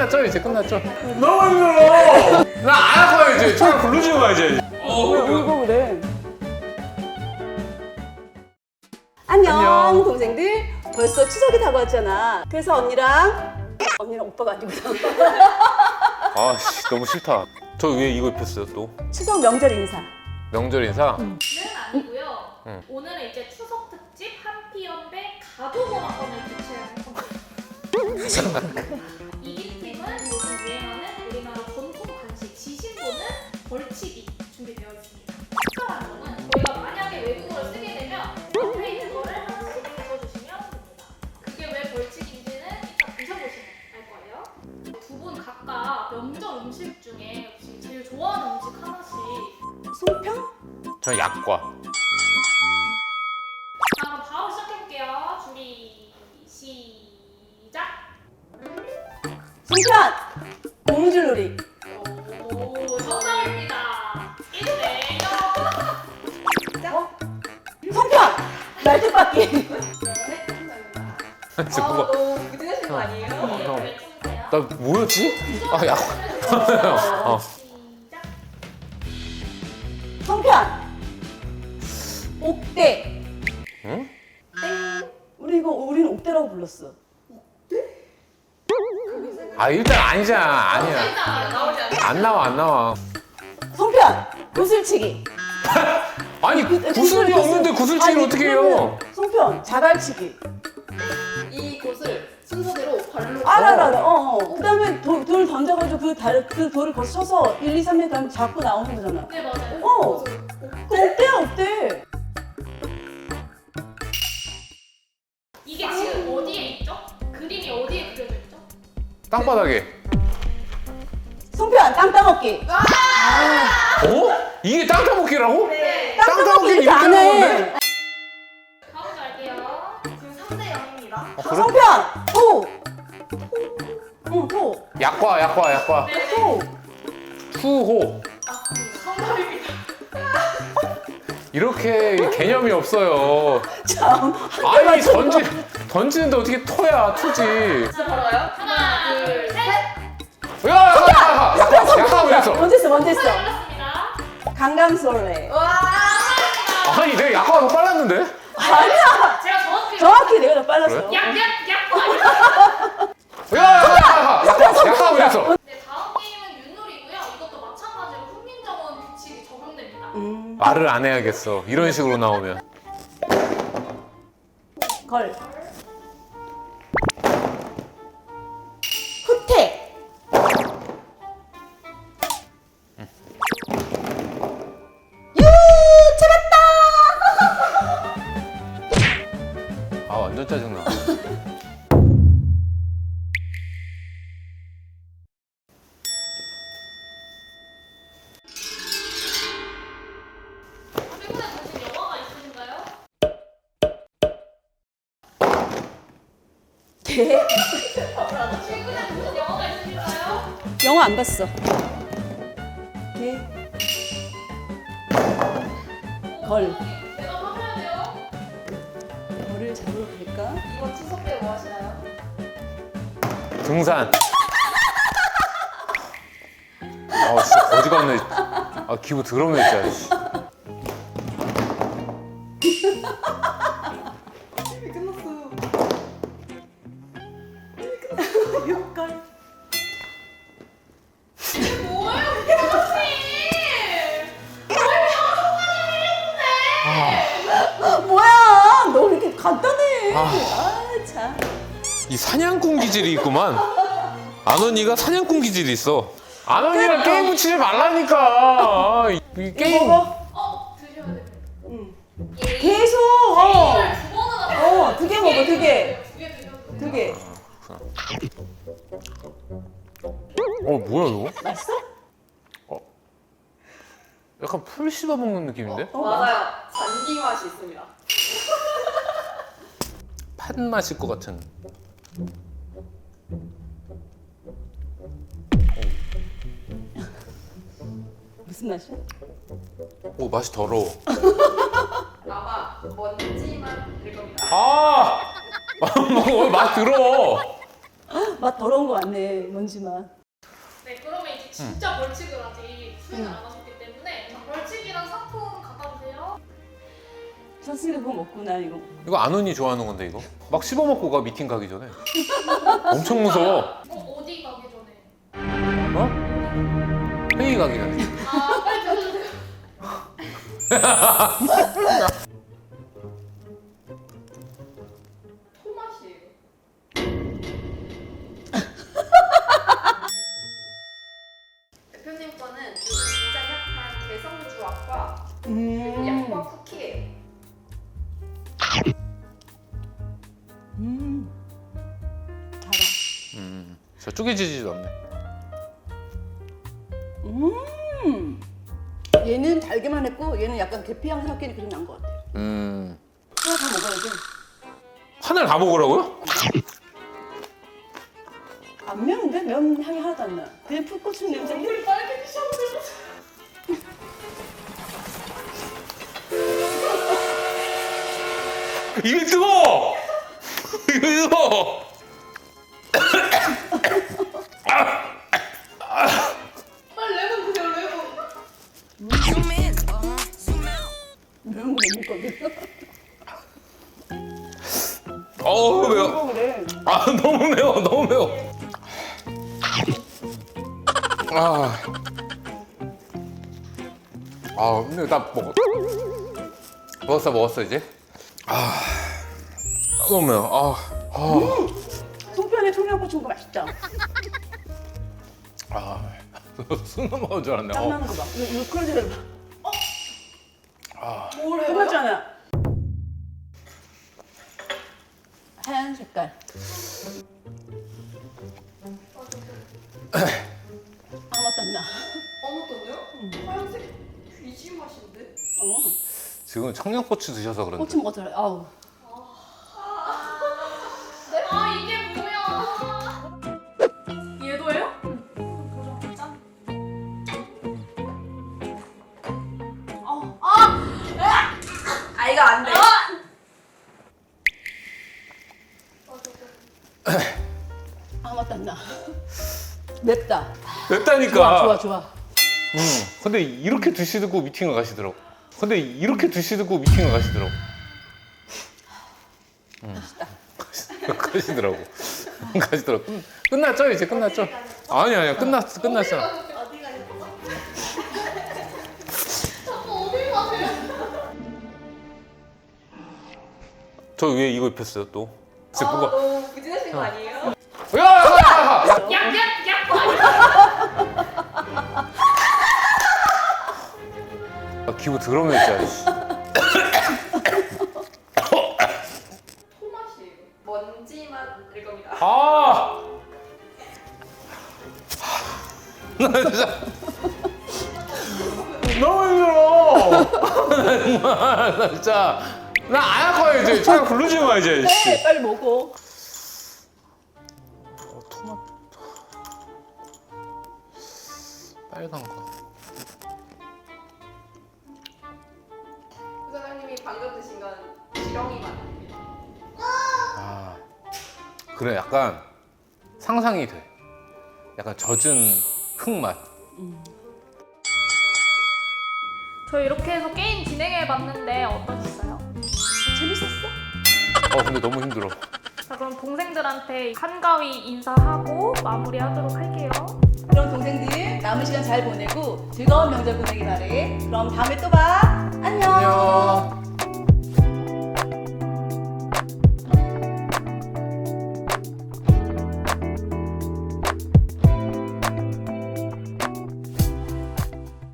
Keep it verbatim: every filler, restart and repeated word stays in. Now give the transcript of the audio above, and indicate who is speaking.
Speaker 1: 끝났죠? 이제 끝났죠?
Speaker 2: 너무 힘들어.
Speaker 1: 나 안 할 거야 이제. 차라리 부르지고 가 이제.
Speaker 3: 왜 울고 그래? 안녕,
Speaker 1: 안녕.
Speaker 3: 동생들. 벌써 추석이 다가왔잖아. 그래서 언니랑 언니랑 오빠가 아니고
Speaker 1: 아씨 너무 싫다. 저 왜 이거 입혔어요 또?
Speaker 3: 추석 명절 인사.
Speaker 1: 명절 인사?
Speaker 4: 는 아니고요.
Speaker 1: 응.
Speaker 4: 오늘은 이제 추석 특집 한피연배 가두문화권을 개최할 겁니다. 이긴 팀은 요즘 유행하는 우리나라 전통 간식 지신보는 벌칙이 준비되어 있습니다. 특별한 점은 저희가 만약에 외국어를 쓰게 되면 앞에 있는 거를 하나씩 적어주시면 됩니다. 그게 왜 벌칙인지는 이따 드셔보시면 알 거예요. 두 분 각각 명절 음식 중에 혹시 제일 좋아하는 음식 하나씩
Speaker 3: 송편?
Speaker 1: 저 약과.
Speaker 4: 자, 그럼 바로 시작해볼게요. 준비, 시작!
Speaker 3: 송편! 고무줄놀이.
Speaker 4: 오, 정답입니다. 일 대 영.
Speaker 3: 어? 송편! 날개바퀴.
Speaker 1: 진짜 뭐가?
Speaker 5: 너무 부진하신 거 아니에요?
Speaker 1: 형.
Speaker 4: 네, 해주세요.
Speaker 1: 나 뭐였지? 아 약과. 어.
Speaker 4: 시작!
Speaker 3: 송편! 옥대.
Speaker 1: 응?
Speaker 3: 우리 이거 우리는 옥대라고 불렀어.
Speaker 1: 아 일단 아니잖아. 아니야.
Speaker 4: 일단
Speaker 5: 나오지 않아요?
Speaker 1: 안 나와 안 나와.
Speaker 3: 송편! 구슬치기.
Speaker 1: 아니 구슬이 없는데 구슬치기를
Speaker 3: 아니,
Speaker 1: 어떻게
Speaker 3: 그러면
Speaker 1: 해요?
Speaker 3: 송편, 자갈치기.
Speaker 5: 이 곳을 순서대로 발로
Speaker 3: 알아, 알아, 알아. 어, 어. 그 다음에 돌, 돌 던져가지고 그, 달, 그 돌을 거쳐서 일, 이, 삼 일 가면 잡고 나오는 거잖아.
Speaker 4: 네, 맞아요.
Speaker 3: 어. 그 옥대야, 옥대.
Speaker 4: 이게 지금 어디에 있죠? 그림이 어디에 그려져 있죠?
Speaker 1: 땅바닥에.
Speaker 3: 송편, 땅 따먹기.
Speaker 1: 어? 이게 땅 따먹기라고?
Speaker 4: 네.
Speaker 3: 땅
Speaker 1: 땅
Speaker 3: 따먹기
Speaker 1: 따먹기
Speaker 3: 이렇게
Speaker 1: 이렇게
Speaker 3: 안 해.
Speaker 1: 하는데?
Speaker 4: 다음 갈게요.
Speaker 5: 지금 삼 대 영입니다.
Speaker 1: 아, 그래?
Speaker 3: 송편, 토. 응, 토.
Speaker 1: 약과 약과 약과.
Speaker 3: 토.
Speaker 1: 투호.
Speaker 4: 정답입니다.
Speaker 1: 이렇게 개념이 없어요.
Speaker 3: 참.
Speaker 1: 아니 던지 던지는데 어떻게 토야 투지?
Speaker 5: 진짜 바로 가요?
Speaker 4: 하나, 둘, 셋.
Speaker 1: 야 약과 약과 약과 그랬어.
Speaker 3: 먼저 했어, 먼저 했어.
Speaker 4: 올랐습니다.
Speaker 3: 강강술래.
Speaker 5: 와!
Speaker 1: 아니 내가 약과가 더 빨랐는데?
Speaker 3: 아니야.
Speaker 4: 제가 정확히
Speaker 3: 정확히 내가 더 빨랐어.
Speaker 1: 그래?
Speaker 4: 약, 약, 약과 아니야?
Speaker 1: 야 약과 약과 약과 그랬어.
Speaker 4: 네, 다음 게임은 윷놀이고요. 이것도 마찬가지로 훈민정음 규칙이 적용됩니다.
Speaker 3: 음,
Speaker 1: 말을 안 해야겠어. 이런 식으로 나오면.
Speaker 3: 걸. 후퇴. 유, 찾았다.
Speaker 1: 아 완전 짜증나.
Speaker 4: 최근에 보신 영화가 있으신가요?
Speaker 3: 개.
Speaker 4: 최근에 보신 영화가 있으실까요?
Speaker 3: 영화 안 봤어. 개. 걸.
Speaker 4: 내가 하셔야 돼요.
Speaker 3: 벌을 잡으러 갈까?
Speaker 5: 이번 추석 때 뭐 하시나요?
Speaker 1: 등산. 아 진짜 거지 같네. 아 기분 더럽네 진짜. 씨.
Speaker 5: 끝났어.
Speaker 3: 육걸.
Speaker 4: 뭐예요, 교수님?
Speaker 3: 뭐야? 너 왜 이렇게 간단해?
Speaker 1: 아.
Speaker 3: 아, 참.
Speaker 1: 이 사냥꾼 기질이 있구만. 안 언니가 사냥꾼 기질이 있어. 안 언니랑 게임 붙이지 말라니까. 이, 이
Speaker 3: 이거
Speaker 1: 게임.
Speaker 3: 먹어?
Speaker 4: 어, 드셔야 돼요.
Speaker 3: 응.
Speaker 4: 예.
Speaker 3: 계속. 어.
Speaker 4: 이걸 두 번은 하세요.
Speaker 3: 어, 두 개 먹어, 두 개.
Speaker 4: 두개 드셔도 돼요.
Speaker 3: 두 개.
Speaker 1: 어 뭐야 이거?
Speaker 3: 맛있어?
Speaker 1: 약간 풀 씹어 먹는 느낌인데?
Speaker 3: 어,
Speaker 5: 맞아요. 잔디 맛이 있습니다.
Speaker 1: 팥 맛일 것 같은.
Speaker 3: 무슨 맛이야?
Speaker 1: 오 맛이 더러워.
Speaker 5: 아마 먼지만 될 겁니다.
Speaker 1: 아! 뭐 맛 더러워.
Speaker 3: 맛 더러운 거 같네, 먼지만.
Speaker 4: 네, 그러면 이제 진짜 벌칙을 아직 수행을 안 하셨기 때문에 자, 벌칙이랑 상품 갖다 주세요.
Speaker 3: 졌으니까 그거 먹고 나 이거.
Speaker 1: 이거 안훈이 좋아하는 건데 이거? 막 씹어 먹고 가 미팅 가기 전에. 엄청 무서워.
Speaker 4: 어, 어디 가기 전에?
Speaker 1: 어? 회의 가기 전에.
Speaker 4: 아, 빨리 드셔주세요.
Speaker 5: 토맛이에요. 대표님 거는 요즘 진짜 핫한 개성주악과
Speaker 3: 음.
Speaker 5: 약과 쿠키예요.
Speaker 3: 음. 달아.
Speaker 1: 음, 저 쪼개지지도 않네.
Speaker 3: 음. 얘는 달기만 했고 얘는 약간 계피향 섞이는 그런 난것 같아.
Speaker 1: 음,
Speaker 3: 하나 다 먹어야지.
Speaker 1: 하나를 다 먹으라고요?
Speaker 3: 안 매운데? 면 향이 하나도 안 나. 그냥 풋고추 냄새.
Speaker 4: 우리 빨개지셨는데.
Speaker 1: 이게 뜨거워! 이게 뜨거워!
Speaker 4: 빨리 레몬 드세요, 레몬.
Speaker 3: 매운 거 먹을 건데.
Speaker 1: 어우 매워.
Speaker 3: 이거 그래.
Speaker 1: 아 너무 매워 너무 매워. 아, 아 근데 나 먹어. 먹었어 먹었어 이제. 아, 너무 매워. 아, 아,
Speaker 3: 송편에 청양고추 거 맛있다.
Speaker 1: 아, 숨 넘어온 줄 알았네.
Speaker 3: 땀
Speaker 1: 어.
Speaker 3: 나는 거 봐. 이거, 이거 그런 데를 봐.
Speaker 1: 아,
Speaker 5: 뭘 해요?
Speaker 3: 끝났잖아. 하얀 색깔. 아무 땀나.
Speaker 5: 어묵도요? 하얀색 귀지 맛인데?
Speaker 3: 어.
Speaker 1: 지금 청양고추 드셔서 그런데.
Speaker 3: 고추 먹었잖아. 아우.
Speaker 4: 아, 이게 뭐야? 얘도예요? 짠. 어, 아!
Speaker 5: 아 이거 안 돼.
Speaker 3: 아무 땀나. 맵다.
Speaker 1: 맵다니까.
Speaker 3: 좋아, 좋아, 좋아.
Speaker 1: 응. 근데 이렇게 드시고 미팅을 가시더라고. 근데 이렇게 드시고 미팅을 가시더라고. 응. 가시더라고. 가시더라고. 끝- 끝났죠? 이제 끝났죠? 아니 아니야 끝났 끝났잖아.
Speaker 4: 어디 가요? 자꾸 어디 가세요?
Speaker 1: 저 위에 이거 입혔어요 또. 이제
Speaker 5: 아
Speaker 1: 뭐가?
Speaker 5: 너무 부진하신 거 아니에요?
Speaker 1: 야, 야, 야, 야.
Speaker 4: 약, 약, 약!
Speaker 1: 아, 기분 더러워 진짜. 씨.
Speaker 5: 토맛이에요. 먼지 맛일 겁니다.
Speaker 1: 아. 나 진짜 너무 힘들어. 나 정말 나 진짜 나 안 할 거야 이제. 차라리 부르지 마 이제. 씨.
Speaker 3: 네, 빨리 먹어.
Speaker 1: 어, 토마토 빨간 거.
Speaker 5: 사장님이 방금 드신 건 지렁이 맛입니다.
Speaker 1: 아 그래 약간 상상이 돼. 약간 젖은 흙맛.
Speaker 4: 저 이렇게 해서 게임 진행해봤는데 어떠셨어요?
Speaker 3: 재밌었어?
Speaker 1: 어 근데 너무 힘들어.
Speaker 4: 자, 그럼 동생들한테 한가위 인사하고 마무리하도록 할게요.
Speaker 3: 그럼 동생들 남은 시간 잘 보내고 즐거운 명절 보내기 바래. 그럼 다음에 또 봐. 안녕.
Speaker 1: 안녕.